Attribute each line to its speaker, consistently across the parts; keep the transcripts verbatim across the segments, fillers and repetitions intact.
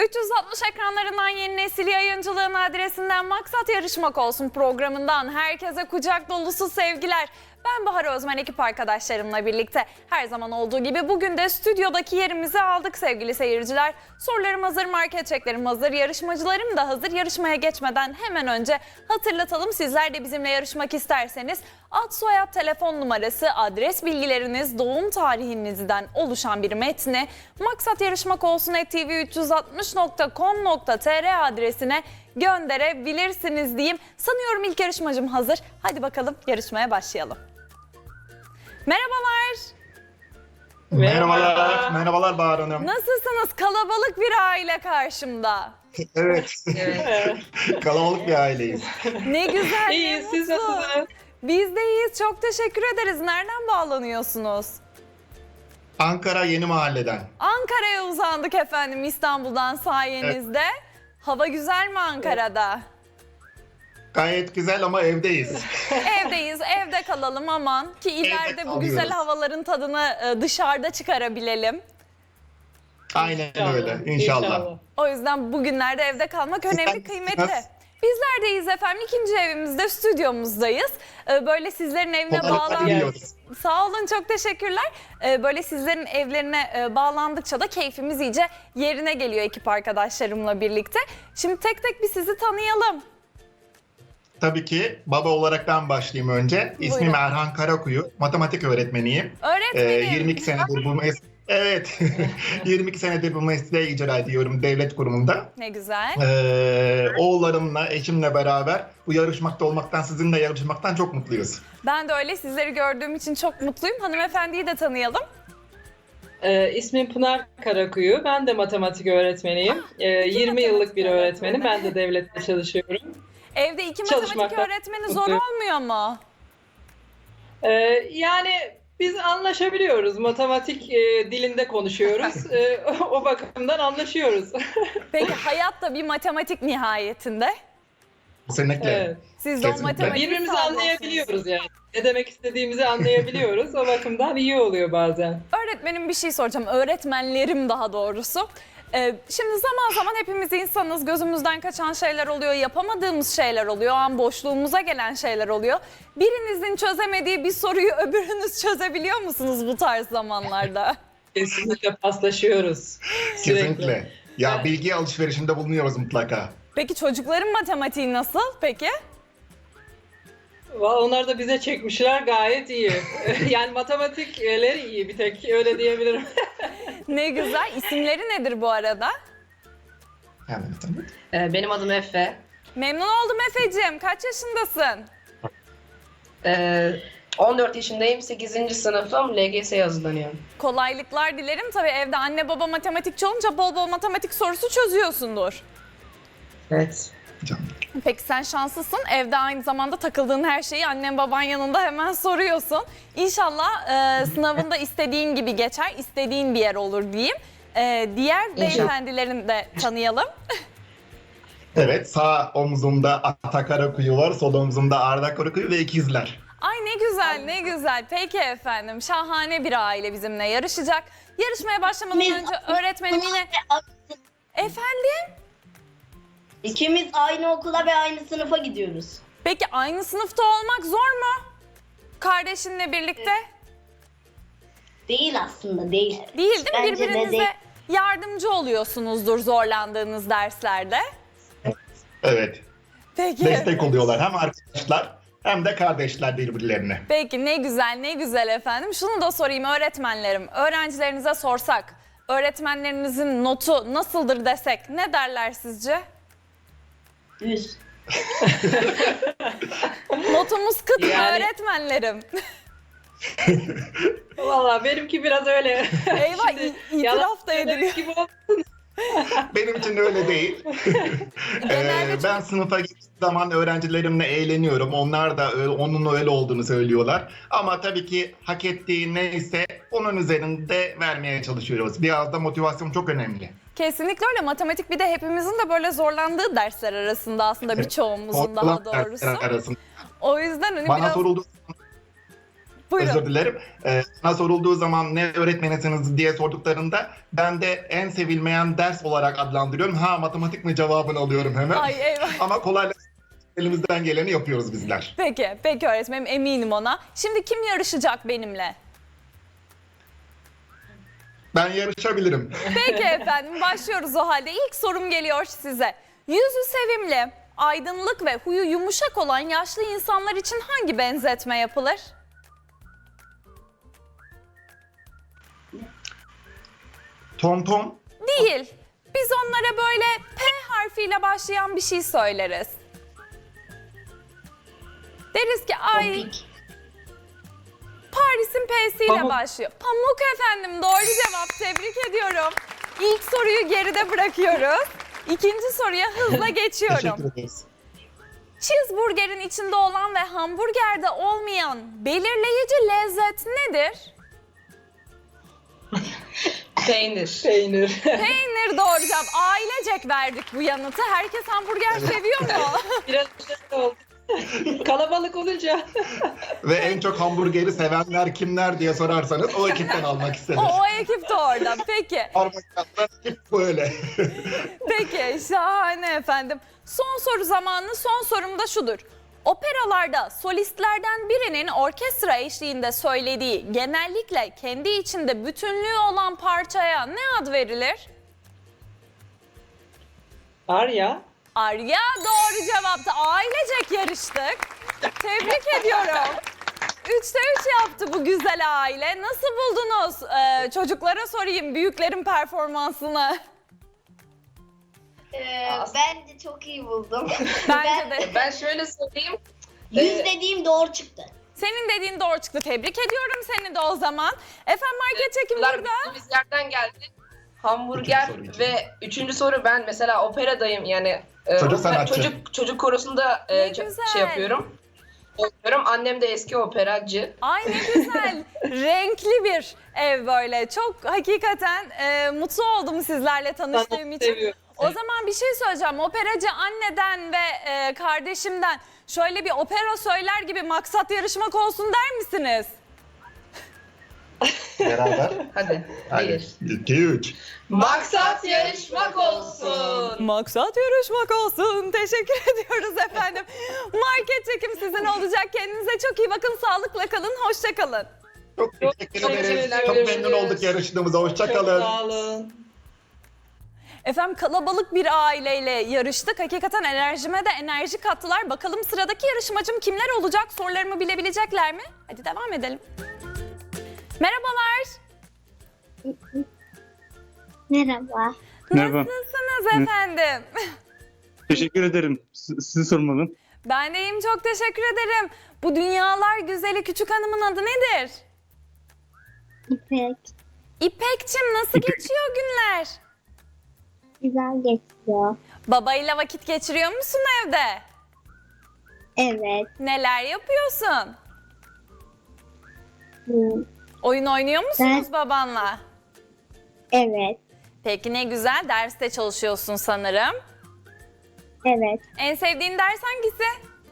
Speaker 1: üç yüz altmış ekranlarından Yeni Nesil Yayıncılığın adresinden Maksat Yarışmak Olsun programından herkese kucak dolusu sevgiler. Ben Bahar Özmen, ekip arkadaşlarımla birlikte her zaman olduğu gibi bugün de stüdyodaki yerimizi aldık sevgili seyirciler. Sorularım hazır, market çeklerim hazır, yarışmacılarım da hazır. Yarışmaya geçmeden hemen önce hatırlatalım, sizler de bizimle yarışmak isterseniz ad, soyad, telefon numarası, adres bilgileriniz, doğum tarihinizden oluşan bir metni maksat yarışmak olsun et tv üç yüz altmış nokta com nokta tr adresine gönderebilirsiniz diyeyim. Sanıyorum ilk yarışmacım hazır. Hadi bakalım yarışmaya başlayalım. Merhabalar.
Speaker 2: Merhabalar. Merhabalar Bahar Hanım.
Speaker 1: Nasılsınız? Kalabalık bir aile karşımda.
Speaker 2: Evet.
Speaker 3: Evet.
Speaker 2: Kalabalık bir aileyiz.
Speaker 1: Ne güzel, ne
Speaker 3: İyiyiz, siz
Speaker 1: mutlu.
Speaker 3: nasılsınız?
Speaker 1: Biz de iyiyiz. Çok teşekkür ederiz. Nereden bağlanıyorsunuz?
Speaker 2: Ankara Yeni Mahalle'den.
Speaker 1: Ankara'ya uzandık efendim, İstanbul'dan sayenizde. Hava güzel mi Ankara'da?
Speaker 2: Gayet güzel ama evdeyiz.
Speaker 1: Evdeyiz, evde kalalım aman ki ileride bu
Speaker 2: kalıyoruz.
Speaker 1: güzel havaların tadını e, dışarıda çıkarabilelim.
Speaker 2: Aynen
Speaker 3: İnşallah,
Speaker 2: öyle. İnşallah.
Speaker 3: inşallah.
Speaker 1: O yüzden bugünlerde evde kalmak önemli,
Speaker 2: Sizler
Speaker 1: kıymetli.
Speaker 2: nasılsınız?
Speaker 1: Bizler deyiz efendim, ikinci evimizde, stüdyomuzdayız. Ee, Böyle sizlerin evine
Speaker 2: Kolaylıkla
Speaker 1: bağlan...
Speaker 2: diliyoruz.
Speaker 1: Sağ olun, çok teşekkürler. Ee, Böyle sizlerin evlerine e, bağlandıkça da keyfimiz iyice yerine geliyor ekip arkadaşlarımla birlikte. Şimdi tek tek bir sizi tanıyalım.
Speaker 2: Tabii ki baba olarak ben başlayayım önce. İsmim
Speaker 1: Buyurun.
Speaker 2: Erhan Karakuyu. Matematik öğretmeniyim. Ee,
Speaker 1: Öğretmenim.
Speaker 2: yirmi iki senedir bu mes Evet. yirmi iki senedir bu mesleği icra ediyorum devlet kurumunda.
Speaker 1: Ne güzel.
Speaker 2: Ee, oğullarımla, eşimle beraber bu yarışmakta olmaktan, sizinle yarışmaktan çok mutluyuz.
Speaker 1: Ben de öyle, sizleri gördüğüm için çok mutluyum. Hanımefendiyi de tanıyalım.
Speaker 3: Ee, ismim Pınar Karakuyu. Ben de matematik öğretmeniyim. Ee, yirmi
Speaker 1: matematik
Speaker 3: yıllık bir öğretmenim.
Speaker 1: öğretmeni.
Speaker 3: Ben de devlette çalışıyorum.
Speaker 1: Evde iki matematik
Speaker 3: Çalışmaktan
Speaker 1: öğretmeni zor
Speaker 3: mutluyum.
Speaker 1: olmuyor mu?
Speaker 3: Ee, yani biz anlaşabiliyoruz. Matematik e, dilinde konuşuyoruz. Ee, o bakımdan anlaşıyoruz.
Speaker 1: Peki hayat da bir matematik nihayetinde.
Speaker 2: Kesinlikle.
Speaker 3: Evet.
Speaker 1: Siz de o
Speaker 2: Kesinlikle.
Speaker 1: matematiği
Speaker 3: Birbirimizi
Speaker 1: sağlıyorsunuz.
Speaker 3: anlayabiliyoruz yani. Ne demek istediğimizi anlayabiliyoruz. O bakımdan iyi oluyor bazen.
Speaker 1: Öğretmenim, bir şey soracağım. Öğretmenlerim daha doğrusu. Ee, şimdi zaman zaman hepimiz insanız. Gözümüzden kaçan şeyler oluyor, yapamadığımız şeyler oluyor, o an boşluğumuza gelen şeyler oluyor. Birinizin çözemediği bir soruyu öbürünüz çözebiliyor musunuz bu tarz zamanlarda?
Speaker 3: Kesinlikle paslaşıyoruz. Sürekli.
Speaker 2: Kesinlikle. Ya bilgi alışverişinde bulunuyoruz mutlaka.
Speaker 1: Peki çocukların matematiği nasıl peki?
Speaker 3: Valla onlar da bize çekmişler, gayet iyi. Yani matematikleri iyi, bir tek öyle diyebilirim.
Speaker 1: Ne güzel. İsimleri nedir bu arada?
Speaker 2: Yani, tabii.
Speaker 4: Ee, Benim adım Efe.
Speaker 1: Memnun oldum Efe'cim. Kaç yaşındasın?
Speaker 4: Ee, on dört yaşındayım. sekizinci sınıfım. L G S'ye hazırlanıyorum.
Speaker 1: Kolaylıklar dilerim. Tabii evde anne baba matematikçi olunca bol bol matematik sorusu çözüyorsundur.
Speaker 4: Evet.
Speaker 2: Canım.
Speaker 1: Peki sen şanslısın. Evde aynı zamanda takıldığın her şeyi annen baban yanında hemen soruyorsun. İnşallah e, sınavında istediğin gibi geçer, istediğin bir yer olur diyeyim. E, diğer beyefendilerini de tanıyalım.
Speaker 2: Evet, sağ omzumda Ata Karakuyu var, sol omzumda Arda Karakuyu ve ikizler.
Speaker 1: Ay ne güzel, ne güzel. Peki efendim, şahane bir aile bizimle yarışacak. Yarışmaya başlamadan
Speaker 5: Biz-
Speaker 1: önce öğretmenim yine... Efendim?
Speaker 5: İkimiz aynı okula ve aynı sınıfa gidiyoruz.
Speaker 1: Peki aynı sınıfta olmak zor mu? Kardeşinle birlikte?
Speaker 5: Değil aslında, değil.
Speaker 1: Değil değil mi?
Speaker 5: Bence de
Speaker 1: Birbirinize
Speaker 5: değil.
Speaker 1: yardımcı oluyorsunuzdur zorlandığınız derslerde.
Speaker 2: Evet,
Speaker 1: Peki.
Speaker 2: destek oluyorlar hem arkadaşlar hem de kardeşler birbirlerine.
Speaker 1: Peki ne güzel, ne güzel efendim. Şunu da sorayım öğretmenlerim. Öğrencilerinize sorsak, öğretmenlerinizin notu nasıldır desek ne derler sizce?
Speaker 5: Yüz.
Speaker 1: Notumuz kıt mı
Speaker 3: Yani-
Speaker 1: öğretmenlerim?
Speaker 3: Valla benimki biraz öyle.
Speaker 1: Eyvah,
Speaker 3: Şimdi
Speaker 1: i- itiraf da
Speaker 3: yalan
Speaker 1: ediliyor.
Speaker 3: söylemek gibi oldu.
Speaker 2: Benim için öyle değil.
Speaker 1: Genelde
Speaker 2: Ee, ben sınıfa gittiğim zaman öğrencilerimle eğleniyorum. Onlar da öyle, onun öyle olduğunu söylüyorlar. Ama tabii ki hak ettiği neyse onun üzerinde vermeye çalışıyoruz. Biraz da motivasyon çok önemli.
Speaker 1: Kesinlikle öyle. Matematik bir de hepimizin de böyle zorlandığı dersler arasında aslında birçoğumuzun daha
Speaker 2: Korkulan
Speaker 1: doğrusu.
Speaker 2: dersler arasında.
Speaker 1: O yüzden hani
Speaker 2: Bana
Speaker 1: biraz...
Speaker 2: soruldu.
Speaker 1: Buyurun.
Speaker 2: Özür dilerim. Ee, sana sorulduğu zaman ne öğretmenisiniz diye sorduklarında ben de en sevilmeyen ders olarak adlandırıyorum. Ha matematik mi cevabını alıyorum hemen.
Speaker 1: Ay eyvah.
Speaker 2: Ama kolaylıkla elimizden geleni yapıyoruz bizler.
Speaker 1: Peki, peki öğretmenim, eminim ona. Şimdi kim yarışacak benimle?
Speaker 2: Ben yarışabilirim.
Speaker 1: Peki efendim, başlıyoruz o halde. İlk sorum geliyor size. Yüzü sevimli, aydınlık ve huyu yumuşak olan yaşlı insanlar için hangi benzetme yapılır?
Speaker 2: Tom Tom.
Speaker 1: Değil. Biz onlara böyle P harfiyle başlayan bir şey söyleriz. Deriz ki ay
Speaker 5: Topik.
Speaker 1: Paris'in P'siyle
Speaker 3: Pamuk.
Speaker 1: başlıyor. Pamuk efendim, doğru cevap. Tebrik ediyorum. İlk soruyu geride bırakıyoruz. İkinci soruya hızla geçiyorum.
Speaker 2: Teşekkür ederiz.
Speaker 1: Cheeseburger'in içinde olan ve hamburgerde olmayan belirleyici lezzet nedir?
Speaker 4: Peynir.
Speaker 3: Peynir.
Speaker 1: Peynir, doğru cevap. Ailecek verdik bu yanıtı. Herkes hamburger seviyor mu?
Speaker 3: Biraz şey oldu. Kalabalık olunca.
Speaker 2: Ve en çok hamburgeri sevenler kimler diye sorarsanız o ekipten almak istedim.
Speaker 1: O, o ekip de orada. Peki.
Speaker 2: Parmaklarla ekip böyle.
Speaker 1: Peki, şahane efendim. Son soru zamanı, son sorum da şudur. Operalarda solistlerden birinin orkestra eşliğinde söylediği, genellikle kendi içinde bütünlüğü olan parçaya ne ad verilir?
Speaker 3: Var ya.
Speaker 1: Arya, doğru cevaptı. Ailecek yarıştık. Tebrik ediyorum. Üçte üç yaptı bu güzel aile. Nasıl buldunuz? Ee, çocuklara sorayım büyüklerin performansını.
Speaker 5: Ee,
Speaker 4: As-
Speaker 5: ben de çok iyi buldum.
Speaker 1: Bence de.
Speaker 4: Ben şöyle söyleyeyim.
Speaker 5: Yüz
Speaker 4: Ee,
Speaker 5: dediğim doğru çıktı.
Speaker 1: Senin dediğin doğru çıktı. Tebrik ediyorum seni de o zaman. Efendim, market çekim
Speaker 4: Bunlar
Speaker 1: burada.
Speaker 4: bildiğimiz yerden geldi. Hamburger
Speaker 2: Üçüncü soru için.
Speaker 4: ve üçüncü soru ben mesela operadayım yani e,
Speaker 2: Çocuk
Speaker 4: opera-
Speaker 2: sanatçı.
Speaker 4: çocuk çocuk korosunda e,
Speaker 1: Ne
Speaker 4: ç-
Speaker 1: güzel.
Speaker 4: şey yapıyorum. Oynuyorum. Annem de eski operacı.
Speaker 1: Ay ne güzel. Renkli bir ev böyle. Çok hakikaten e, mutlu oldum sizlerle tanıştığım
Speaker 3: Sanatı
Speaker 1: için.
Speaker 3: seviyorum.
Speaker 1: O zaman bir şey söyleyeceğim. Operacı anneden ve e, kardeşimden şöyle bir opera söyler gibi maksat yarışmak olsun der misiniz?
Speaker 2: Beraber.
Speaker 4: Hadi.
Speaker 2: Hadi.
Speaker 4: Bir.
Speaker 2: İki, üç.
Speaker 4: Maksat yarışmak olsun.
Speaker 1: Maksat yarışmak olsun. Teşekkür ediyoruz efendim. Market çekim sizin olacak. Kendinize çok iyi bakın. Sağlıkla kalın. Hoşça kalın.
Speaker 2: Çok teşekkür
Speaker 4: Çok
Speaker 2: ederiz.
Speaker 4: teşekkürler,
Speaker 2: Çok memnun
Speaker 4: görüşürüz.
Speaker 2: olduk yarıştığımıza.
Speaker 3: Çok
Speaker 2: Hoşçakalın.
Speaker 3: sağ olun.
Speaker 1: Efendim, kalabalık bir aileyle yarıştık. Hakikaten enerjime de enerji kattılar. Bakalım sıradaki yarışmacım kimler olacak? Sorularımı bilebilecekler mi? Hadi devam edelim. Merhabalar.
Speaker 6: Merhaba.
Speaker 7: Merhaba.
Speaker 1: Nasılsınız efendim?
Speaker 7: Teşekkür ederim. S- Sizi sormalı.
Speaker 1: Ben de iyiyim, çok teşekkür ederim. Bu dünyalar güzeli küçük hanımın adı nedir?
Speaker 6: İpek.
Speaker 1: İpekçim, nasıl
Speaker 7: İpek.
Speaker 1: geçiyor günler?
Speaker 6: Güzel geçiyor.
Speaker 1: Babayla vakit geçiriyor musun evde?
Speaker 6: Evet.
Speaker 1: Neler yapıyorsun?
Speaker 6: hı,
Speaker 1: Oyun oynuyor musunuz babanla?
Speaker 6: Evet.
Speaker 1: Peki ne güzel, derste çalışıyorsun sanırım.
Speaker 6: Evet.
Speaker 1: En sevdiğin ders hangisi?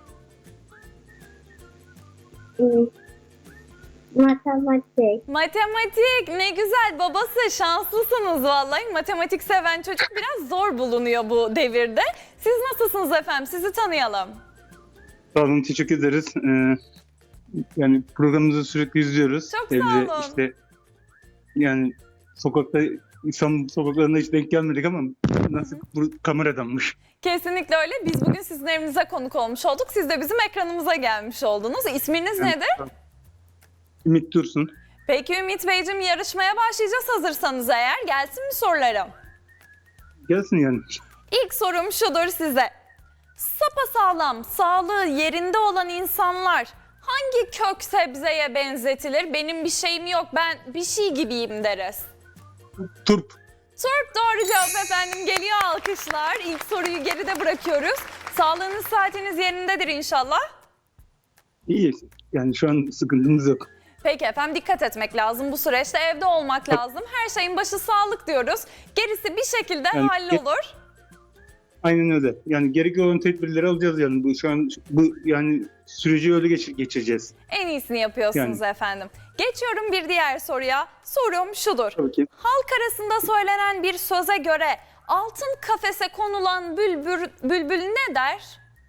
Speaker 6: hı, Matematik.
Speaker 1: Matematik, ne güzel, babası, şanslısınız vallahi. Matematik seven çocuk biraz zor bulunuyor bu devirde. Siz nasılsınız efendim? Sizi tanıyalım.
Speaker 7: Sağ olun, teşekkür ederiz. Ee, yani programımızı sürekli izliyoruz.
Speaker 1: Çok sağ
Speaker 7: Evde
Speaker 1: olun.
Speaker 7: işte yani sokakta İstanbul sokaklarına hiç denk gelmedik ama nasıl bu kameradanmış.
Speaker 1: Kesinlikle öyle. Biz bugün sizin evinize konuk olmuş olduk. Siz de bizim ekranımıza gelmiş oldunuz. İsminiz nedir?
Speaker 7: Ümit Dursun.
Speaker 1: Peki Ümit Beyciğim, yarışmaya başlayacağız hazırsanız eğer. Gelsin mi sorularım?
Speaker 7: Gelsin yani.
Speaker 1: İlk sorum şudur size. Sapasağlam, sağlığı yerinde olan insanlar hangi kök sebzeye benzetilir? Benim bir şeyim yok, ben bir şey gibiyim deriz.
Speaker 7: Turp.
Speaker 1: Turp, doğru cevap efendim. Geliyor alkışlar. İlk soruyu geride bırakıyoruz. Sağlığınız, saatiniz yerindedir inşallah.
Speaker 7: İyi. Yani şu an sıkıntımız yok.
Speaker 1: Peki efendim, dikkat etmek lazım bu süreçte, evde olmak lazım. Her şeyin başı sağlık diyoruz. Gerisi bir şekilde
Speaker 7: Yani-
Speaker 1: hallolur.
Speaker 7: Aynen öyle. Yani gerekli olan tedbirleri alacağız yani. Bu şu an bu yani süreci öyle geçir, geçireceğiz.
Speaker 1: En iyisini yapıyorsunuz
Speaker 7: Yani.
Speaker 1: efendim. Geçiyorum bir diğer soruya. Sorum şudur.
Speaker 7: Tabii ki.
Speaker 1: Halk arasında söylenen bir söze göre altın kafese konulan bülbül, bülbül ne der?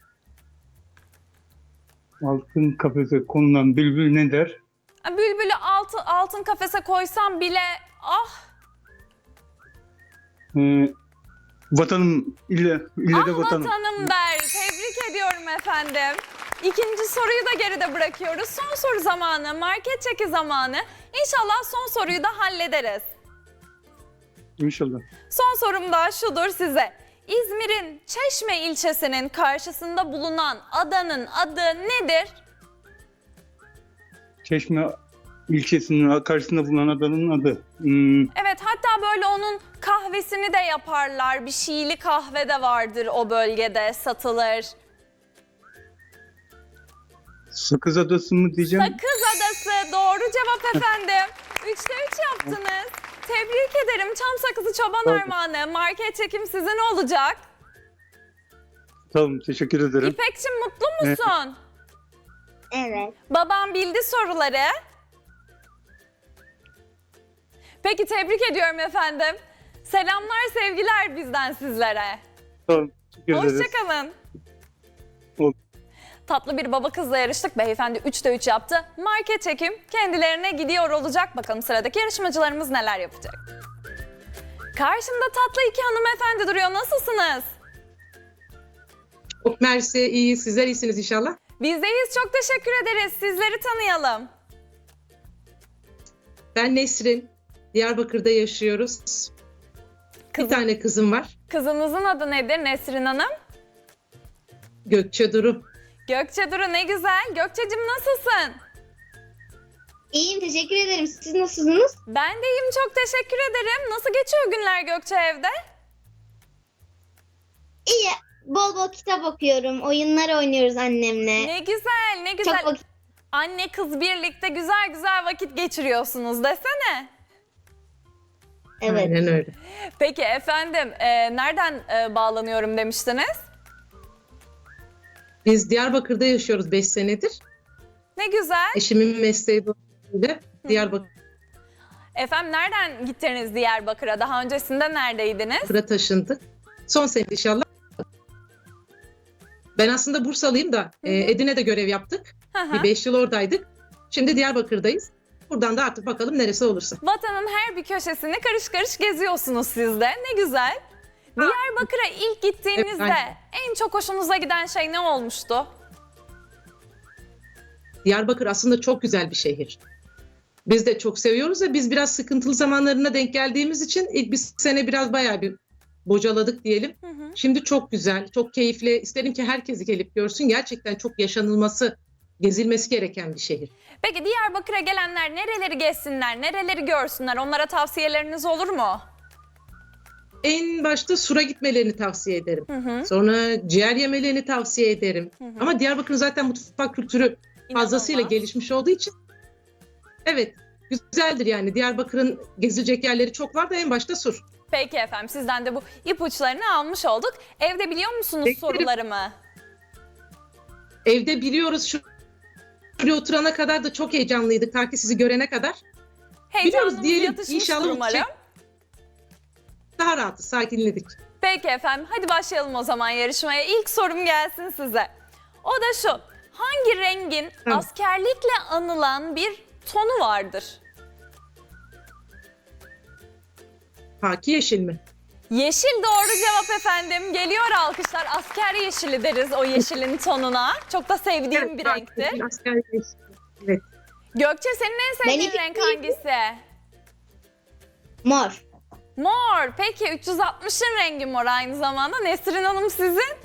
Speaker 7: Altın kafese konulan bülbül ne der?
Speaker 1: Bülbülü altın, altın kafese koysam bile ah
Speaker 7: Ee, vatanım ille, ille de
Speaker 1: ah
Speaker 7: vatanım.
Speaker 1: vatanım der. Tebrik ediyorum efendim. İkinci soruyu da geride bırakıyoruz. Son soru zamanı, market çeki zamanı. İnşallah son soruyu da hallederiz.
Speaker 7: İnşallah.
Speaker 1: Son sorum da şudur size. İzmir'in Çeşme ilçesinin karşısında bulunan adanın adı nedir?
Speaker 7: Çeşme ilçesinin karşısında bulunan adanın adı. Hmm,
Speaker 1: Evet, hatta böyle onun kahvesini de yaparlar. Bir Şiili kahve de vardır o bölgede, satılır.
Speaker 7: Sakız Adası mı diyeceğim?
Speaker 1: Sakız Adası doğru cevap efendim. Üçte üç yaptınız. Tebrik ederim. Çam sakızı çoban
Speaker 7: Tamam.
Speaker 1: armağanı. Market çekim sizin olacak.
Speaker 7: Tamam, teşekkür ederim.
Speaker 1: İpekçim mutlu musun?
Speaker 6: Evet.
Speaker 1: Babam bildi soruları. Peki tebrik ediyorum efendim. Selamlar, sevgiler bizden sizlere.
Speaker 7: Tamam, teşekkür ederiz.
Speaker 1: Hoşçakalın.
Speaker 7: Ol-
Speaker 1: Tatlı bir baba kızla yarıştık. Beyefendi üçte üç yaptı. Market çekim kendilerine gidiyor olacak. Bakalım sıradaki yarışmacılarımız neler yapacak. Karşımda tatlı iki hanımefendi duruyor. Nasılsınız?
Speaker 8: Çok mersi, iyi. Sizler iyisiniz inşallah.
Speaker 1: Bizdeyiz. Çok teşekkür ederiz. Sizleri tanıyalım.
Speaker 8: Ben Nesrin. Diyarbakır'da yaşıyoruz.
Speaker 1: Kızım.
Speaker 8: Bir tane kızım var.
Speaker 1: Kızınızın adı nedir Nesrin Hanım?
Speaker 8: Gökçe Duru.
Speaker 1: Gökçe Duru, ne güzel. Gökçe'cim nasılsın?
Speaker 6: İyiyim, teşekkür ederim. Siz nasılsınız?
Speaker 1: Ben de iyiyim, çok teşekkür ederim. Nasıl geçiyor günler Gökçe evde?
Speaker 6: İyi. Bol bol kitap okuyorum. Oyunlar oynuyoruz annemle.
Speaker 1: Ne güzel, ne güzel.
Speaker 6: Çok vakit...
Speaker 1: Anne kız birlikte güzel güzel vakit geçiriyorsunuz desene.
Speaker 6: Evet.
Speaker 8: Aynen öyle.
Speaker 1: Peki efendim, e, nereden e, bağlanıyorum demiştiniz?
Speaker 8: Biz Diyarbakır'da yaşıyoruz beş senedir.
Speaker 1: Ne güzel.
Speaker 8: Eşimin mesleği dolayısıyla Diyarbakır'a
Speaker 1: Efendim nereden gittiniz Diyarbakır'a? Daha öncesinde neredeydiniz?
Speaker 8: taşındık. Son sene inşallah. Ben aslında Bursalıyım da e, Edirne'de görev yaptık.
Speaker 1: Hı hı.
Speaker 8: Bir beş yıl oradaydık. Şimdi Diyarbakır'dayız. Buradan da artık bakalım neresi olursa.
Speaker 1: Vatanın her bir köşesini karış karış geziyorsunuz siz de. Ne güzel. Diyarbakır'a ilk gittiğinizde
Speaker 8: Evet, aynen.
Speaker 1: en çok hoşunuza giden şey ne olmuştu?
Speaker 8: Diyarbakır aslında çok güzel bir şehir. Biz de çok seviyoruz da biz biraz sıkıntılı zamanlarına denk geldiğimiz için ilk bir sene biraz bayağı bir bocaladık diyelim.
Speaker 1: Hı hı.
Speaker 8: Şimdi çok güzel, çok keyifli. İsterim ki herkes gelip görsün. Gerçekten çok yaşanılması, gezilmesi gereken bir şehir.
Speaker 1: Peki Diyarbakır'a gelenler nereleri gezsinler, nereleri görsünler? Onlara tavsiyeleriniz olur mu?
Speaker 8: En başta Sur'a gitmelerini tavsiye ederim.
Speaker 1: Hı hı.
Speaker 8: Sonra ciğer yemelerini tavsiye ederim.
Speaker 1: Hı hı.
Speaker 8: Ama Diyarbakır'ın zaten mutfak kültürü fazlasıyla
Speaker 1: İnanılmaz.
Speaker 8: gelişmiş olduğu için evet, güzeldir yani. Diyarbakır'ın gezilecek yerleri çok var da en başta Sur.
Speaker 1: Peki efendim, sizden de bu ipuçlarını almış olduk. Evde biliyor musunuz
Speaker 8: Beklerim.
Speaker 1: sorularımı?
Speaker 8: Evde biliyoruz, şu şuraya oturana kadar da çok heyecanlıydık ta ki sizi görene kadar.
Speaker 1: Heyecanımız
Speaker 8: diyelim,
Speaker 1: yatışmıştır
Speaker 8: inşallah
Speaker 1: umarım.
Speaker 8: olacak. Daha rahatız, sakinledik.
Speaker 1: Peki efendim, hadi başlayalım o zaman yarışmaya. İlk sorum gelsin size. O da şu, hangi rengin
Speaker 8: Hı.
Speaker 1: askerlikle anılan bir tonu vardır?
Speaker 8: Haki yeşil mi?
Speaker 1: Yeşil doğru cevap efendim. Geliyor alkışlar. Asker yeşili deriz o yeşilin tonuna. Çok da sevdiğim bir
Speaker 8: haki
Speaker 1: renktir.
Speaker 8: yeşil, asker yeşil. Evet.
Speaker 1: Gökçe, senin en sevdiğin
Speaker 6: Benim
Speaker 1: renk
Speaker 6: sevdiğim-
Speaker 1: hangisi?
Speaker 6: Mor.
Speaker 1: Mor. Peki üç yüz altmışın rengi mor aynı zamanda. Nesrin Hanım sizin?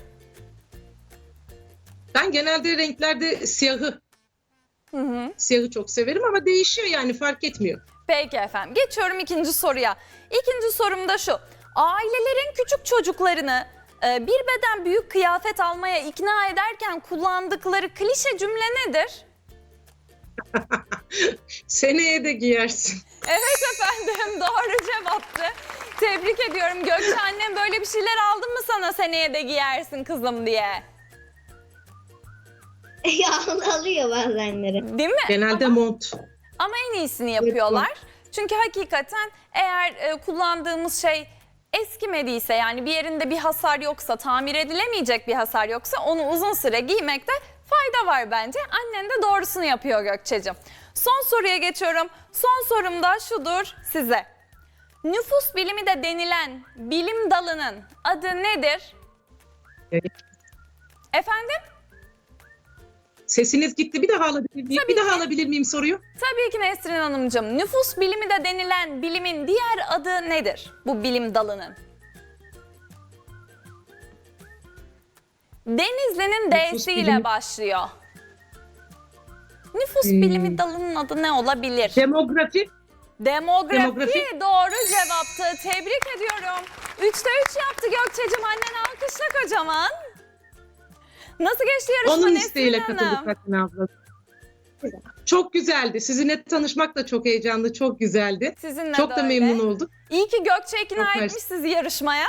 Speaker 8: Ben genelde renklerde siyahı,
Speaker 1: Hı hı.
Speaker 8: siyahı çok severim ama değişiyor yani fark etmiyor.
Speaker 1: Peki efendim. Geçiyorum ikinci soruya. İkinci sorum da şu. Ailelerin küçük çocuklarını e, bir beden büyük kıyafet almaya ikna ederken kullandıkları klişe cümle nedir?
Speaker 8: Seneye de giyersin.
Speaker 1: Evet efendim, doğru cevaptı. Tebrik ediyorum Gökçe, annem böyle bir şeyler aldın mı sana seneye de giyersin kızım diye?
Speaker 6: Ya alıyor bazenleri.
Speaker 1: Değil mi?
Speaker 8: Genelde mont.
Speaker 1: Ama en iyisini yapıyorlar. Çünkü hakikaten eğer e, kullandığımız şey eskimediyse, yani bir yerinde bir hasar yoksa, tamir edilemeyecek bir hasar yoksa onu uzun süre giymekte fayda var bence. Annen de doğrusunu yapıyor Gökçe'cim. Son soruya geçiyorum. Son sorum da şudur size. Nüfus bilimi de denilen bilim dalının adı nedir?
Speaker 8: Evet.
Speaker 1: Efendim?
Speaker 8: Sesiniz gitti. Bir daha alabilir miyim?
Speaker 1: Tabii
Speaker 8: Bir daha
Speaker 1: ki.
Speaker 8: alabilir miyim soruyu?
Speaker 1: Tabii ki Nesrin Hanımcığım. Nüfus bilimi de denilen bilimin diğer adı nedir? Bu bilim dalının. Denizli'nin
Speaker 8: Nüfus
Speaker 1: D'siyle
Speaker 8: bilimi-
Speaker 1: başlıyor. Nüfus
Speaker 8: Hmm.
Speaker 1: bilimi dalının adı ne olabilir?
Speaker 8: Demografi.
Speaker 1: Demografi,
Speaker 8: Demografi.
Speaker 1: doğru cevaptı. Tebrik ediyorum. Üçte üç yaptı Gökçe'cim. Annen alkışla kocaman. Nasıl geçti yarışma
Speaker 8: Onun
Speaker 1: Nesrin
Speaker 8: isteğiyle
Speaker 1: Hanım?
Speaker 8: katıldık Fatma abla. Çok güzeldi. Sizinle tanışmak da çok heyecanlı, çok güzeldi.
Speaker 1: Sizinle
Speaker 8: Çok
Speaker 1: de
Speaker 8: da
Speaker 1: öyle.
Speaker 8: memnun olduk.
Speaker 1: İyi ki Gökçe ikna
Speaker 8: Çok
Speaker 1: etmiş
Speaker 8: mersi.
Speaker 1: sizi yarışmaya.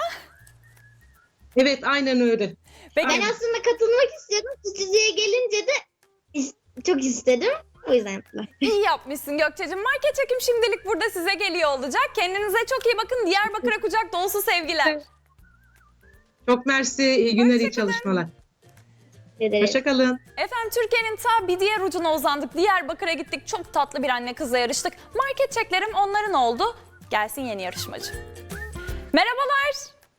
Speaker 8: Evet, aynen öyle.
Speaker 1: Peki,
Speaker 6: Ben aslında katılmak istiyordum. Stüdyoya gelince de is- çok istedim. O yüzden yaptılar.
Speaker 1: İyi yapmışsın Gökçe'cim. Market çekim şimdilik burada size geliyor olacak. Kendinize çok iyi bakın. Diyarbakır'a kucak dolusu sevgiler.
Speaker 8: Çok mersi. İyi günler, iyi
Speaker 1: Hoşça kalın.
Speaker 8: çalışmalar.
Speaker 6: Evet.
Speaker 8: Hoşçakalın.
Speaker 1: Efendim Türkiye'nin ta bir diğer ucuna uzandık. Diyarbakır'a gittik. Çok tatlı bir anne kızla yarıştık. Market çeklerim onların oldu. Gelsin yeni yarışmacı. Merhabalar.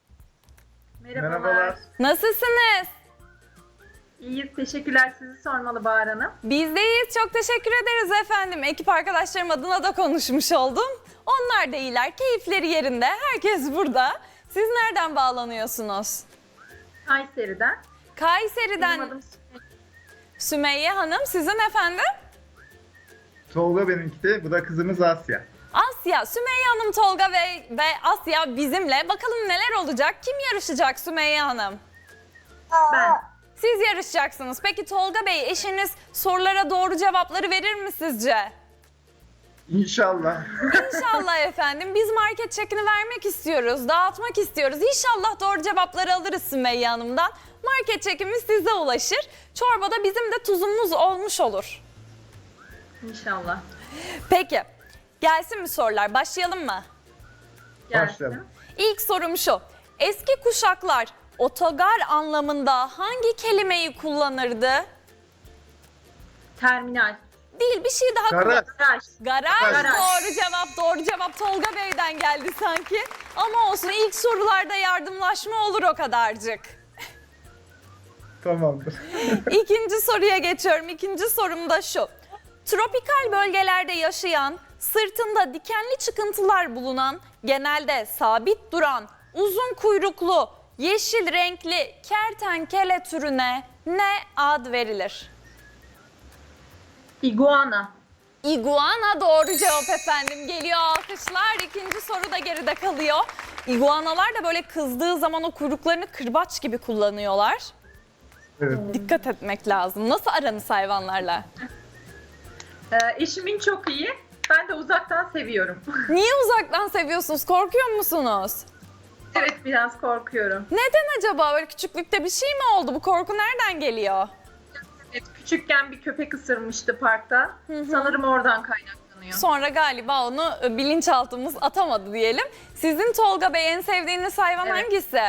Speaker 9: Merhabalar.
Speaker 1: Nasılsınız?
Speaker 9: İyiyiz, teşekkürler. Sizi sormalı Bahar Hanım.
Speaker 1: Biz de iyiyiz. Çok teşekkür ederiz efendim. Ekip arkadaşlarım adına da konuşmuş oldum. Onlar da iyiler. Keyifleri yerinde. Herkes burada. Siz nereden bağlanıyorsunuz?
Speaker 9: Kayseri'den.
Speaker 1: Kayseri'den
Speaker 9: Benim adım Sümeyye.
Speaker 1: Sümeyye Hanım. Sizin efendim?
Speaker 10: Tolga benimki de. Bu da kızımız Asya.
Speaker 1: Asya. Sümeyye Hanım, Tolga ve, ve Asya bizimle. Bakalım neler olacak? Kim yarışacak Sümeyye Hanım?
Speaker 9: Ben.
Speaker 1: Siz yarışacaksınız. Peki Tolga Bey, eşiniz sorulara doğru cevapları verir mi sizce?
Speaker 10: İnşallah.
Speaker 1: İnşallah efendim. Biz market çekini vermek istiyoruz, dağıtmak istiyoruz. İnşallah doğru cevapları alırız Sümeyye Hanım'dan. Market çekimiz size ulaşır. Çorbada bizim de tuzumuz olmuş olur.
Speaker 9: İnşallah.
Speaker 1: Peki, gelsin mi sorular? Başlayalım mı?
Speaker 9: Gelsin.
Speaker 10: Başlayalım.
Speaker 1: İlk sorum şu. Eski kuşaklar otogar anlamında hangi kelimeyi kullanırdı?
Speaker 9: Terminal.
Speaker 1: Değil, bir şey daha
Speaker 10: Garaj.
Speaker 1: kullan-
Speaker 9: Garaj.
Speaker 1: Garaj.
Speaker 9: Garaj.
Speaker 1: Doğru cevap, doğru cevap Tolga Bey'den geldi sanki. Ama olsun, ilk sorularda yardımlaşma olur o kadarcık.
Speaker 10: Tamamdır.
Speaker 1: İkinci soruya geçiyorum. İkinci sorum da şu. Tropikal bölgelerde yaşayan, sırtında dikenli çıkıntılar bulunan, genelde sabit duran, uzun kuyruklu, yeşil renkli kertenkele türüne ne ad verilir?
Speaker 9: İguana.
Speaker 1: İguana doğru cevap efendim. Geliyor alkışlar. İkinci soru da geride kalıyor. İguanalar da böyle kızdığı zaman o kuyruklarını kırbaç gibi kullanıyorlar.
Speaker 10: Evet.
Speaker 1: Dikkat etmek lazım. Nasıl aranız hayvanlarla?
Speaker 9: Ee, eşimin çok iyi. Ben de uzaktan seviyorum.
Speaker 1: Niye uzaktan seviyorsunuz? Korkuyor musunuz?
Speaker 9: Evet, biraz korkuyorum.
Speaker 1: Neden acaba? Böyle küçüklükte bir şey mi oldu? Bu korku nereden geliyor?
Speaker 9: Evet, küçükken bir köpek ısırmıştı parkta. Sanırım oradan kaynaklanıyor.
Speaker 1: Sonra galiba onu e, bilinçaltımız atamadı diyelim. Sizin Tolga Bey, en sevdiğiniz hayvan
Speaker 9: Evet.
Speaker 1: hangisi?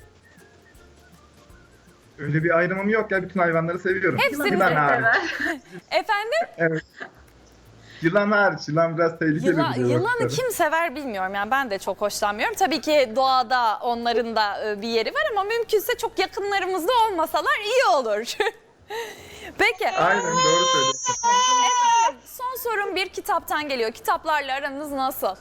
Speaker 10: Öyle bir ayrımım yok ya. Bütün hayvanları seviyorum.
Speaker 1: Hepsini
Speaker 10: Yılan
Speaker 9: Evet,
Speaker 10: hariç.
Speaker 9: evet.
Speaker 1: Efendim?
Speaker 10: Evet. Yılan hariç. Yılan biraz tehlikeli
Speaker 1: Yıla,
Speaker 10: bir şey.
Speaker 1: yılanı kim sever bilmiyorum. Yani ben de çok hoşlanmıyorum. Tabii ki doğada onların da e, bir yeri var ama mümkünse çok yakınlarımızda olmasalar iyi olur. Peki.
Speaker 10: Aynen, doğru söylüyorsun.
Speaker 1: Efendim, son sorum bir kitaptan geliyor. Kitaplarla aranız nasıl?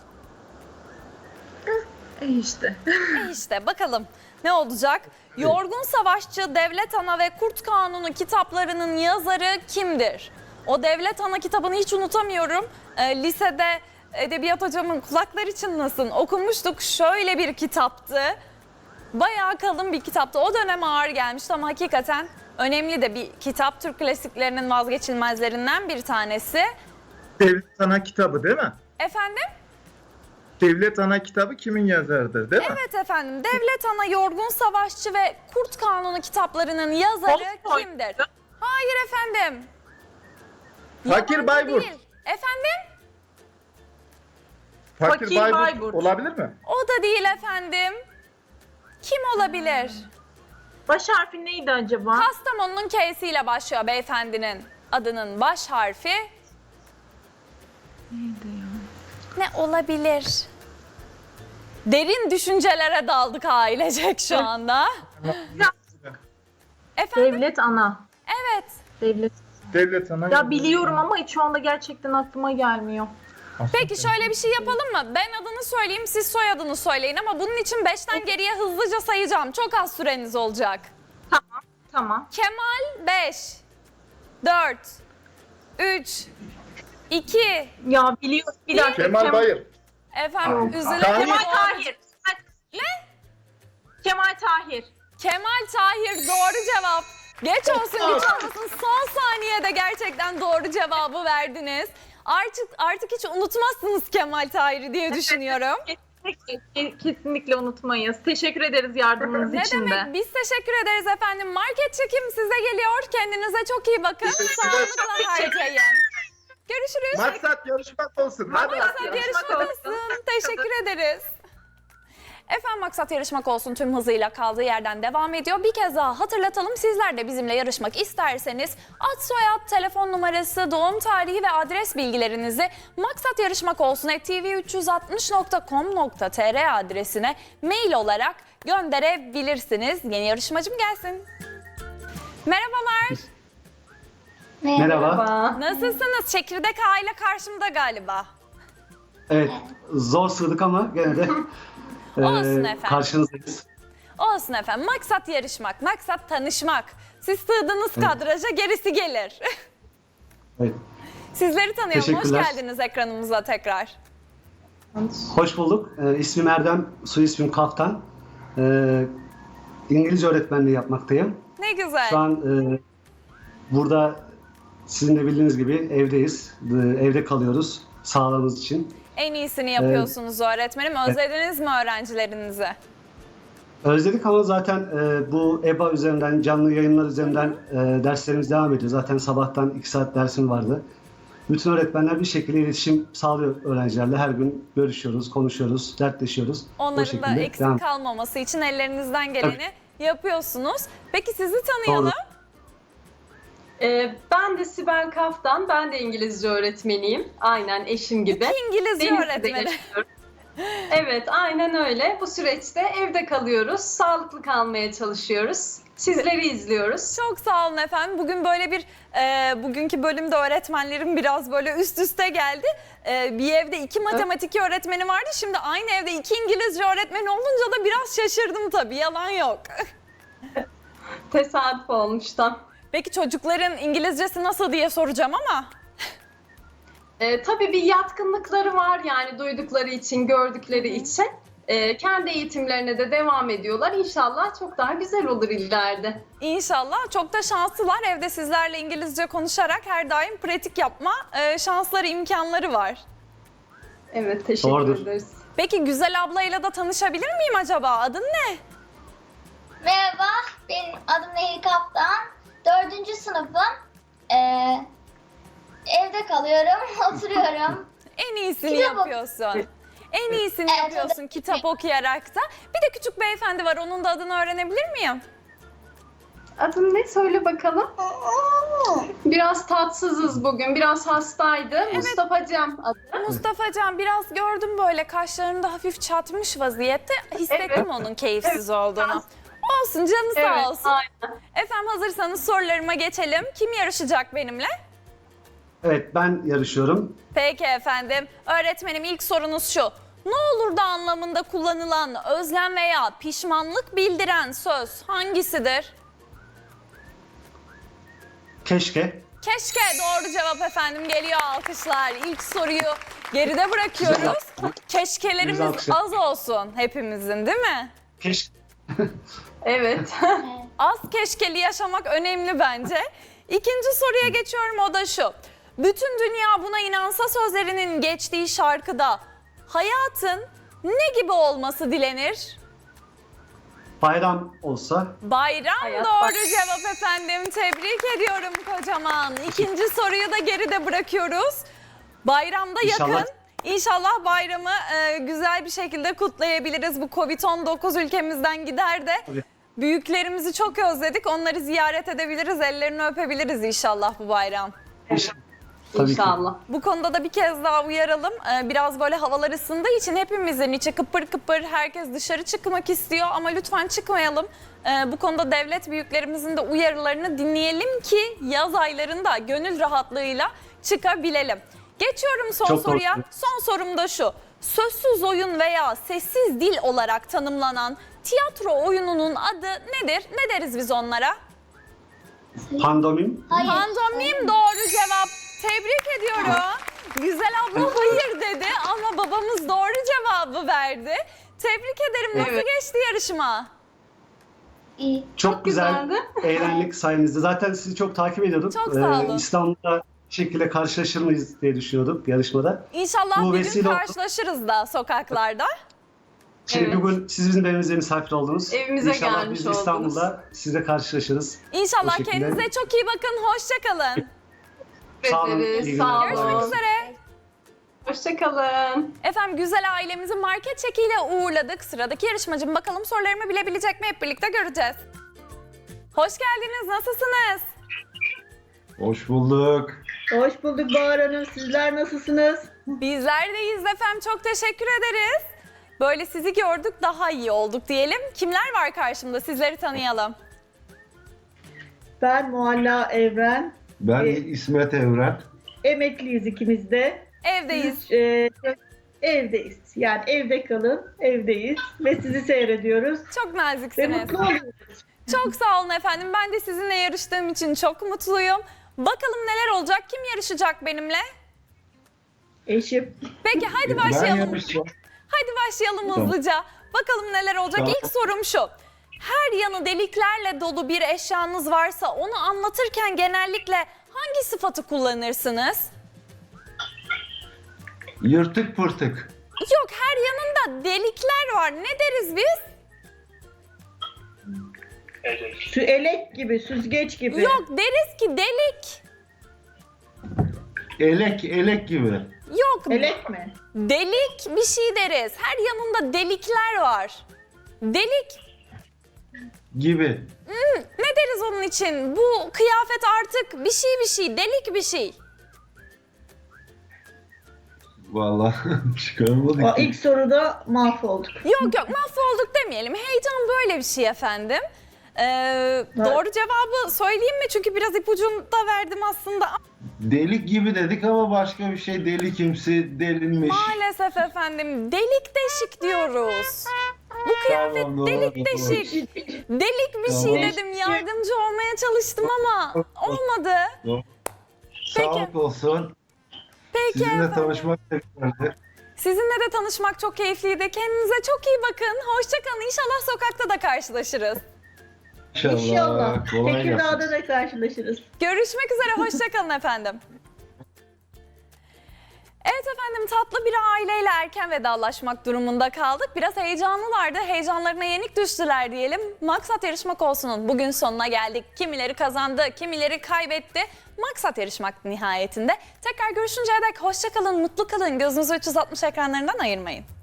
Speaker 9: E işte.
Speaker 1: E işte bakalım ne olacak? Yorgun Savaşçı, Devlet Ana ve Kurt Kanunu kitaplarının yazarı kimdir? O Devlet Ana kitabını hiç unutamıyorum. E, lisede edebiyat hocamın kulakları çınlasın okumuştuk. Şöyle bir kitaptı. Bayağı kalın bir kitaptı. O dönem ağır gelmişti ama hakikaten önemli de bir kitap. Türk klasiklerinin vazgeçilmezlerinden bir tanesi.
Speaker 10: Devlet Sana kitabı değil mi?
Speaker 1: Efendim?
Speaker 10: Devlet Ana kitabı kimin yazarıdır değil mi?
Speaker 1: Evet efendim. Devlet Ana, Yorgun Savaşçı ve Kurt Kanunu kitaplarının yazarı
Speaker 9: Tolstoy.
Speaker 1: kimdir? Hayır efendim.
Speaker 10: Fakir
Speaker 1: Yabancı
Speaker 10: Bayburt.
Speaker 1: değil. Efendim?
Speaker 10: Fakir,
Speaker 9: Fakir
Speaker 10: Bayburt,
Speaker 9: Bayburt.
Speaker 10: olabilir mi?
Speaker 1: O da değil efendim. Kim olabilir?
Speaker 9: Baş harfi neydi acaba?
Speaker 1: Kastamonu'nun K'siyle başlıyor beyefendinin adının baş harfi.
Speaker 9: Neydi ya?
Speaker 1: Ne olabilir? Derin düşüncelere daldık ailecek şu anda. Efendim?
Speaker 9: Devlet Ana.
Speaker 1: Evet.
Speaker 9: Devlet.
Speaker 10: Devlet Ana.
Speaker 9: Ya biliyorum ama hiç şu anda gerçekten aklıma gelmiyor.
Speaker 1: Peki şöyle bir şey yapalım mı? Ben adını söyleyeyim, siz soyadını söyleyin ama bunun için beşten geriye hızlıca sayacağım. Çok az süreniz olacak.
Speaker 9: Tamam. Tamam.
Speaker 1: Kemal beş, dört, üç, iki,
Speaker 9: Ya biliyorum. Bir dakika.
Speaker 10: Kemal
Speaker 9: Kem-
Speaker 10: Bayır.
Speaker 1: efendim üzülün.
Speaker 10: Tahir.
Speaker 9: Kemal Tahir. Ne? Kemal Tahir.
Speaker 1: Kemal Tahir doğru cevap. Geç olsun güç olmasın, son saniyede gerçekten doğru cevabı verdiniz. Artık artık hiç unutmazsınız Kemal Tahir'i diye düşünüyorum.
Speaker 9: Kesinlikle, kesinlikle unutmayız. Teşekkür ederiz yardımınız
Speaker 1: Ne
Speaker 9: için de.
Speaker 1: demek? Biz teşekkür ederiz efendim. Market çekim size geliyor. Kendinize çok iyi bakın. Sağlıkla harcayın. Görüşürüz.
Speaker 10: Maksat yarışmak olsun. Hadi.
Speaker 1: Maksat
Speaker 9: Yarışmak
Speaker 1: yarışmak
Speaker 9: olsun.
Speaker 1: olsun. Teşekkür ederiz. Efendim maksat yarışmak olsun tüm hızıyla kaldığı yerden devam ediyor. Bir kez daha hatırlatalım, sizler de bizimle yarışmak isterseniz ad soyad, telefon numarası, doğum tarihi ve adres bilgilerinizi maksat yarışmak olsun at t v üç yüz altmış nokta com nokta t r adresine mail olarak gönderebilirsiniz. Yeni yarışmacım gelsin. Merhabalar.
Speaker 11: Merhaba.
Speaker 1: Nasılsınız? Çekirdek aile karşımda galiba.
Speaker 11: Evet, zor sığdık ama gene de e,
Speaker 1: Olsun efendim.
Speaker 11: karşınızdayız.
Speaker 1: Olsun efendim. Maksat yarışmak, maksat tanışmak. Siz sığdınız kadraja, gerisi gelir.
Speaker 11: Evet.
Speaker 1: Sizleri tanıyalım. Hoş
Speaker 11: Teşekkürler.
Speaker 1: geldiniz ekranımıza tekrar.
Speaker 11: Hoş bulduk. E, ismim Erdem, soy ismim Kaftan. E, İngilizce öğretmenliği yapmaktayım.
Speaker 1: Ne güzel.
Speaker 11: Şu an e, burada sizin de bildiğiniz gibi evdeyiz. E, evde kalıyoruz sağlığımız için.
Speaker 1: En iyisini yapıyorsunuz öğretmenim. Özlediniz mi öğrencilerinizi?
Speaker 11: Özledik ama zaten e, bu E B A üzerinden, canlı yayınlar üzerinden e, derslerimiz devam ediyor. Zaten sabahtan iki saat dersim vardı. Bütün öğretmenler bir şekilde iletişim sağlıyor öğrencilerle. Her gün görüşüyoruz, konuşuyoruz, dertleşiyoruz. O
Speaker 1: Onların da
Speaker 11: şekilde
Speaker 1: eksik
Speaker 11: devam.
Speaker 1: kalmaması için ellerinizden geleni yapıyorsunuz. Peki sizi tanıyalım.
Speaker 11: Doğru.
Speaker 12: Ee, ben de Sibel Kaftan, ben de İngilizce öğretmeniyim. Aynen eşim gibi.
Speaker 1: İngilizce
Speaker 12: Denizli'de
Speaker 1: öğretmeni.
Speaker 12: yaşıyorum. Evet, aynen öyle. Bu süreçte evde kalıyoruz, sağlıklı kalmaya çalışıyoruz. Sizleri izliyoruz.
Speaker 1: Çok sağ olun efendim. Bugün böyle bir, e, bugünkü bölümde öğretmenlerim biraz böyle üst üste geldi. E, bir evde iki matematik öğretmeni vardı. Şimdi aynı evde iki İngilizce öğretmeni olunca da biraz şaşırdım tabii. Yalan yok.
Speaker 12: Tesadüf olmuş tam.
Speaker 1: Peki çocukların İngilizcesi nasıl diye soracağım ama.
Speaker 12: Ee, tabii bir yatkınlıkları var yani duydukları için, gördükleri için. Ee, kendi eğitimlerine de devam ediyorlar. İnşallah çok daha güzel olur ileride.
Speaker 1: İnşallah. Çok da şanslılar. Evde sizlerle İngilizce konuşarak her daim pratik yapma e, şansları, imkanları var.
Speaker 12: Evet, teşekkür
Speaker 11: Doğrudur.
Speaker 12: ederiz.
Speaker 1: Peki Güzel ablayla da tanışabilir miyim acaba? Adın ne?
Speaker 6: Merhaba, benim adım Nehir Kaptan. Dördüncü sınıfım. Ee, evde kalıyorum, oturuyorum.
Speaker 1: En iyisini
Speaker 6: Kitap ok-
Speaker 1: yapıyorsun. En iyisini
Speaker 6: Evet,
Speaker 1: yapıyorsun kitap okuyarak da. Bir de küçük beyefendi var. Onun da adını öğrenebilir miyim?
Speaker 12: Adın ne? Söyle bakalım. Biraz tatsızız bugün. Biraz hastaydı. Mustafa Cem adı.
Speaker 1: Mustafa Can, biraz gördüm böyle kaşlarında hafif çatmış vaziyette. Hissettim
Speaker 12: Evet.
Speaker 1: onun keyifsiz olduğunu.
Speaker 12: biraz.
Speaker 1: Olsun, canı sağ
Speaker 12: Evet,
Speaker 1: olsun.
Speaker 12: aynen.
Speaker 1: Efendim hazırsanız sorularıma geçelim. Kim yarışacak benimle?
Speaker 11: Evet, ben yarışıyorum.
Speaker 1: Peki efendim. Öğretmenim, ilk sorunuz şu. Ne olur da anlamında kullanılan özlem veya pişmanlık bildiren söz hangisidir?
Speaker 11: Keşke.
Speaker 1: Keşke doğru cevap efendim. Geliyor alkışlar. İlk soruyu geride bırakıyoruz. Keşkelerimiz
Speaker 11: Güzel alkışlar.
Speaker 1: az olsun hepimizin, değil mi?
Speaker 11: Keşke.
Speaker 12: Evet.
Speaker 1: Az keşkeli yaşamak önemli bence. İkinci soruya geçiyorum, o da şu. Bütün dünya buna inansa sözlerinin geçtiği şarkıda hayatın ne gibi olması dilenir?
Speaker 11: Bayram olsa
Speaker 1: Bayram
Speaker 12: Hayat
Speaker 1: doğru
Speaker 12: bak-
Speaker 1: cevap efendim. Tebrik ediyorum kocaman. İkinci soruyu da geride bırakıyoruz. Bayramda
Speaker 11: İnşallah.
Speaker 1: yakın. İnşallah bayramı e, güzel bir şekilde kutlayabiliriz. Bu kovid on dokuz ülkemizden gider de
Speaker 11: Tabii.
Speaker 1: büyüklerimizi çok özledik. Onları ziyaret edebiliriz, ellerini öpebiliriz inşallah bu bayram.
Speaker 11: inşallah. Tabii ki.
Speaker 12: İnşallah.
Speaker 1: Bu konuda da bir kez daha uyaralım. Ee, Biraz böyle havalar ısındığı için hepimizin içi kıpır kıpır, herkes dışarı çıkmak istiyor ama lütfen çıkmayalım. Ee, Bu konuda devlet büyüklerimizin de uyarılarını dinleyelim ki yaz aylarında gönül rahatlığıyla çıkabilelim. Geçiyorum son
Speaker 11: Çok doğru.
Speaker 1: soruya. Son sorum da şu. Sözsüz oyun veya sessiz dil olarak tanımlanan tiyatro oyununun adı nedir? Ne deriz biz onlara?
Speaker 11: Pandomim.
Speaker 5: Hayır.
Speaker 1: Pantomim doğru cevap. Tebrik ediyorum. Güzel abla hayır dedi ama babamız doğru cevabı verdi. Tebrik ederim. Nasıl
Speaker 12: Evet.
Speaker 1: geçti yarışma?
Speaker 5: İyi.
Speaker 11: Çok,
Speaker 12: Çok
Speaker 11: güzel.
Speaker 12: güzeldi.
Speaker 11: Eğlendik sayenizde. Zaten sizi çok takip ediyorduk.
Speaker 1: Çok sağ olun.
Speaker 11: İstanbul'da bir şekilde karşılaşır mıyız diye düşünüyorduk yarışmada.
Speaker 1: İnşallah
Speaker 11: Bu
Speaker 1: bir gün
Speaker 11: vesile oldu.
Speaker 1: karşılaşırız da sokaklarda.
Speaker 11: Şimdi
Speaker 12: Evet.
Speaker 11: bugün siz bizim evimize misafir oldunuz.
Speaker 12: Evimize
Speaker 11: İnşallah
Speaker 12: gelmiş
Speaker 11: biz
Speaker 12: oldunuz.
Speaker 11: İstanbul'da sizle karşılaşırız.
Speaker 1: İnşallah
Speaker 11: O şekilde.
Speaker 1: kendinize çok iyi bakın. Hoşça kalın.
Speaker 11: Sağ olun,
Speaker 12: Ederiz,
Speaker 11: iyi
Speaker 12: sağ
Speaker 11: günler.
Speaker 1: Görüşmek
Speaker 12: olun.
Speaker 1: üzere.
Speaker 12: Hoşçakalın.
Speaker 1: Efendim güzel ailemizi market çekiyle uğurladık. Sıradaki yarışmacım bakalım sorularımı bilebilecek mi hep birlikte göreceğiz. Hoş geldiniz. Nasılsınız?
Speaker 10: Hoş bulduk.
Speaker 6: Hoş bulduk Bahar Hanım. Sizler nasılsınız?
Speaker 1: Bizler deyiz efendim. Çok teşekkür ederiz. Böyle sizi gördük daha iyi olduk diyelim. Kimler var karşımda? Sizleri tanıyalım.
Speaker 6: Ben Mualla Evren.
Speaker 10: Ben
Speaker 6: Ee,
Speaker 10: İsmet Evren.
Speaker 6: Emekliyiz ikimiz de.
Speaker 1: Evdeyiz.
Speaker 6: Ee, evdeyiz. Yani evde kalın, evdeyiz ve sizi seyrediyoruz.
Speaker 1: Çok
Speaker 6: Ve
Speaker 1: naziksiniz.
Speaker 6: mutlu oluyoruz.
Speaker 1: Çok sağ olun efendim. Ben de sizinle yarıştığım için çok mutluyum. Bakalım neler olacak? Kim yarışacak benimle?
Speaker 6: Eşim.
Speaker 1: Peki hadi
Speaker 10: Ben
Speaker 1: başlayalım.
Speaker 10: yarışacağım.
Speaker 1: Hadi başlayalım
Speaker 10: Tamam.
Speaker 1: hızlıca. Bakalım neler olacak.
Speaker 10: Tamam.
Speaker 1: İlk sorum şu. Her yanı deliklerle dolu bir eşyanız varsa onu anlatırken genellikle hangi sıfatı kullanırsınız?
Speaker 10: Yırtık pırtık.
Speaker 1: Yok, her yanında delikler var. Ne deriz biz?
Speaker 6: Su elek gibi, süzgeç gibi.
Speaker 1: Yok, deriz ki delik.
Speaker 10: Elek, elek gibi.
Speaker 1: Yok,
Speaker 6: Elek mi?
Speaker 1: delik bir şey deriz. Her yanında delikler var. Delik.
Speaker 10: Gibi.
Speaker 1: Ne deriz onun için? Bu kıyafet artık bir şey bir şey, delik bir şey.
Speaker 10: Vallahi çıkaramadık.
Speaker 6: O
Speaker 10: ki.
Speaker 6: ilk soruda mahvolduk.
Speaker 1: Yok yok, mahvolduk demeyelim. Heyecan böyle bir şey efendim. Ee, doğru cevabı söyleyeyim mi? Çünkü biraz ipucunu da verdim aslında.
Speaker 10: Delik gibi dedik ama başka bir şey. Delikimsi, delinmiş.
Speaker 1: Maalesef efendim, delik deşik diyoruz. Bu kıyafet
Speaker 10: Tamam, doğru,
Speaker 1: delik
Speaker 10: doğru.
Speaker 1: deşik. Delik bir şey
Speaker 10: Tamam.
Speaker 1: dedim, yardımcı olmaya çalıştım ama olmadı.
Speaker 10: Sağlık olsun.
Speaker 1: Peki
Speaker 10: Sizinle
Speaker 1: efendim.
Speaker 10: tanışmak da güzeldi.
Speaker 1: Sizinle de tanışmak çok keyifliydi. Kendinize çok iyi bakın. Hoşçakalın. İnşallah sokakta da karşılaşırız.
Speaker 10: İnşallah.
Speaker 6: İnşallah.
Speaker 10: Kolay gelsin.
Speaker 6: Tekirdağ'da da karşılaşırız.
Speaker 1: Görüşmek üzere. Hoşçakalın efendim. Evet efendim, tatlı bir aileyle erken vedalaşmak durumunda kaldık. Biraz heyecanlılardı. Heyecanlarına yenik düştüler diyelim. Maksat Yarışmak Olsun'un bugün sonuna geldik. Kimileri kazandı, kimileri kaybetti. Maksat Yarışmak nihayetinde. Tekrar görüşünceye dek hoşça kalın, mutlu kalın. Gözünüzü üç yüz altmış ekranlarından ayırmayın.